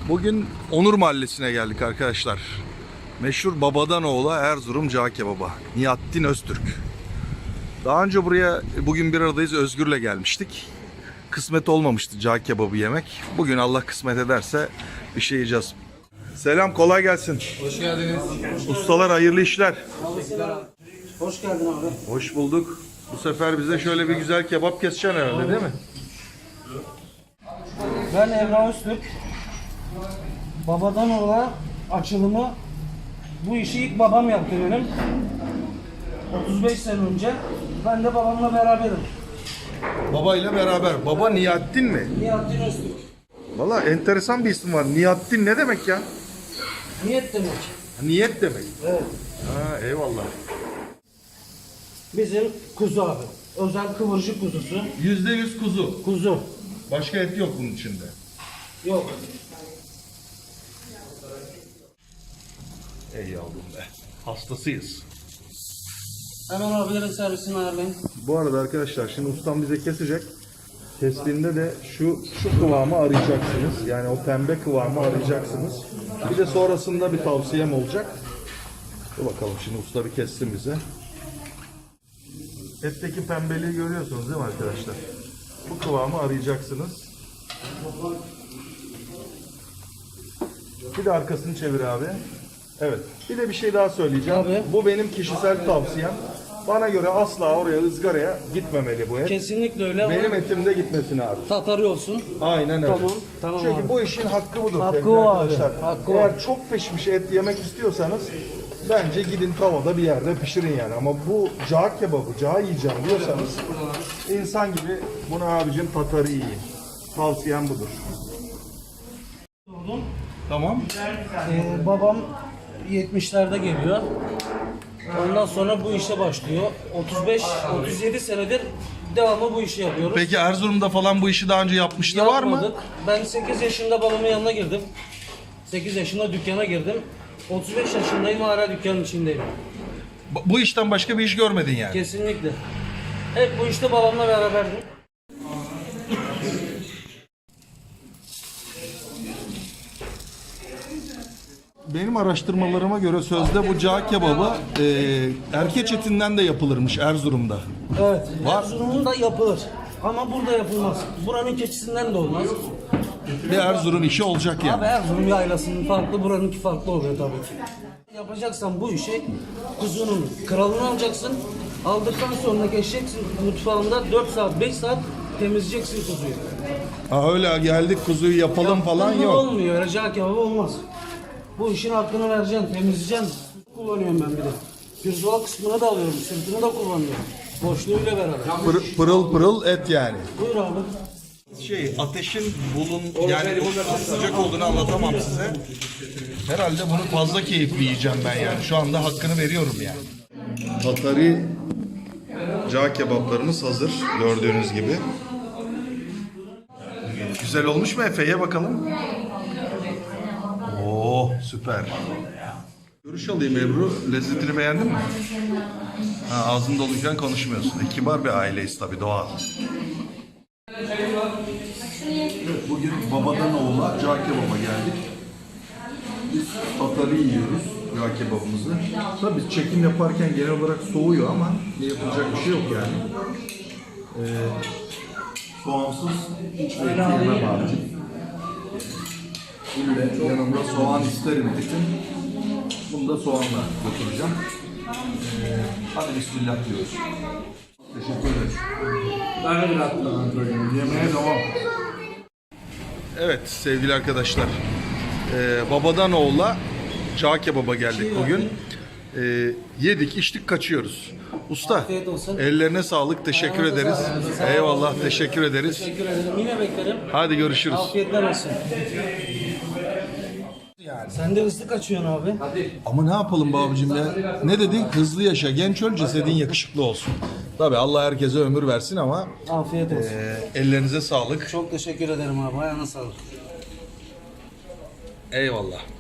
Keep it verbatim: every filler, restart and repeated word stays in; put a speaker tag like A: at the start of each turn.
A: Bugün Onur Mahallesi'ne geldik arkadaşlar. Meşhur babadan oğula Erzurum Cağ Kebaba. Nihattin Öztürk. Daha önce buraya bugün bir aradayız Özgür'le gelmiştik. Kısmet olmamıştı cağ kebabı yemek. Bugün Allah kısmet ederse bir şey yiyeceğiz. Selam, kolay gelsin.
B: Hoş geldiniz.
A: Ustalar hayırlı işler.
C: Hoş geldin abi.
A: Hoş bulduk. Bu sefer bize şöyle bir güzel kebap keseceksin herhalde, değil mi?
C: Ben Emrah Öztürk. Babadan oğula açılımı, bu işi ilk babam yaptı benim. otuz beş sene önce. Ben de babamla beraberim.
A: Babayla beraber. Baba Nihattin mi?
C: Nihattin Öztürk.
A: Valla enteresan bir isim var. Nihattin ne demek ya?
C: Niyet demek.
A: Niyet demek.
C: Evet.
A: Ha, eyvallah.
C: Bizim kuzu abi. Özel kıvırcık kuzusu.
A: Yüzde yüz kuzu.
C: Kuzu.
A: Başka et yok bunun içinde.
C: Yok.
A: Ey yavrum be. Hastasıyız.
C: Hemen abilerin servisini ayarlayın.
A: Bu arada arkadaşlar şimdi ustam bize kesecek. Kestiğinde de şu şu kıvamı arayacaksınız. Yani o pembe kıvamı arayacaksınız. Bir de sonrasında bir tavsiyem olacak. Dur bakalım şimdi usta bir kessin bize. Etteki pembeliği görüyorsunuz değil mi arkadaşlar? Bu kıvamı arayacaksınız. Bir de arkasını çevir abi. Evet. Bir de bir şey daha söyleyeceğim.
C: Abi.
A: Bu benim kişisel tavsiyem. Bana göre asla oraya ızgaraya gitmemeli bu et.
C: Kesinlikle öyle.
A: Benim etimde gitmesin abi.
C: Tatarı olsun.
A: Aynen öyle.
C: Tamam, tamam
A: Çünkü
C: abi.
A: bu işin hakkı budur.
C: Hakkı
A: sevgili
C: o abi,
A: arkadaşlar.
C: hakkı
A: Eğer
C: o.
A: çok pişmiş et yemek istiyorsanız bence gidin tavada bir yerde pişirin yani. Ama bu cağ kebabı, cağ yiyeceğim diyorsanız insan gibi bunu abicim tatarı yiyin. Tavsiyem budur. Tamam.
C: Ee, babam yetmişlerde geliyor. Ondan sonra bu işe başlıyor. otuz beş otuz yedi senedir devamlı bu işi yapıyoruz.
A: Peki Erzurum'da falan bu işi daha önce yapmışlığı var mı?
C: Yapmadık. Ben sekiz yaşında babamın yanına girdim. sekiz yaşında dükkana girdim. otuz beş yaşındayım, hala dükkanın içindeyim.
A: Bu- Bu işten başka bir iş görmedin yani.
C: Kesinlikle. Hep bu işte babamla beraberdim.
A: Benim araştırmalarıma göre sözde bu cağ kebabı e, erkeç etinden de yapılırmış Erzurum'da.
C: Evet.
A: Var.
C: Erzurum'da yapılır. Ama burada yapılmaz. Buranın keçisinden de olmaz.
A: Bir Erzurum işi olacak yani.
C: Abi Erzurum yaylasının farklı, buranınki farklı oluyor tabii ki. Yapacaksan bu işi kuzunun kralını alacaksın. Aldıktan sonra geçeceksin mutfağında dört saat beş saat temizleyeceksin kuzuyu.
A: Ha öyle geldik kuzuyu yapalım falan
C: Yaptın mı
A: yok.
C: olmuyor. Öyle cağ kebabı olmaz. Bu işin hakkını vereceksin, temizleyeceksin. Kullanıyorum ben bir de. Pirzola kısmını da alıyorum, sırtını da kullanıyorum. Boşluğuyla beraber.
A: Pır- pırıl pırıl et yani.
C: Buyur abi.
A: Şey ateşin bulun yani sıcak olduğunu anlatamam size. Herhalde bunu fazla keyifli yiyeceğim ben yani. Şu anda hakkını veriyorum yani. Tatari cağ kebaplarımız hazır gördüğünüz gibi. Güzel olmuş mu Efe? Ye bakalım. Oo süper. Görüş alayım Ebru. Lezzetini beğendin mi? Ha, ağzın doluyken konuşmuyorsun. E, kibar bir aileyiz tabii, doğal. Evet, bugün babadan oğula cağ kebaba geldik. Biz tatarı yiyoruz, cağ kebabımızı. Tabii biz çekim yaparken genel olarak soğuyor ama yapılacak bir şey yok yani. Ee, soğansız hiç et yemem abicim. İlle yanımda soğan isterim dedim. Bunu da soğanla götüreceğim. Ee, hadi bismillah diyoruz. Teşekkür ederiz.
B: Ben de biraz
A: Yemeğe devam. Evet sevgili arkadaşlar. Ee, babadan oğula cağ kebaba geldik bugün. Ee, yedik, içtik, kaçıyoruz. Usta,
C: Afiyet olsun.
A: ellerine sağlık. Teşekkür
C: Ayağınıza
A: ederiz.
C: sağlık. Sağ olun.
A: Eyvallah, teşekkür ederiz.
C: Teşekkür ederim. Yine beklerim.
A: Hadi görüşürüz.
C: Afiyetler olsun. Sen de hızlı kaçıyorsun abi.
A: Ama ne yapalım be abicim ya? Ne dedik? Hızlı yaşa, genç öl, cesedin yakışıklı olsun. Tabii Allah herkese ömür versin ama
C: Afiyet olsun.
A: e, ellerinize sağlık.
C: Çok teşekkür ederim abi. Ayağına sağlık.
A: Eyvallah.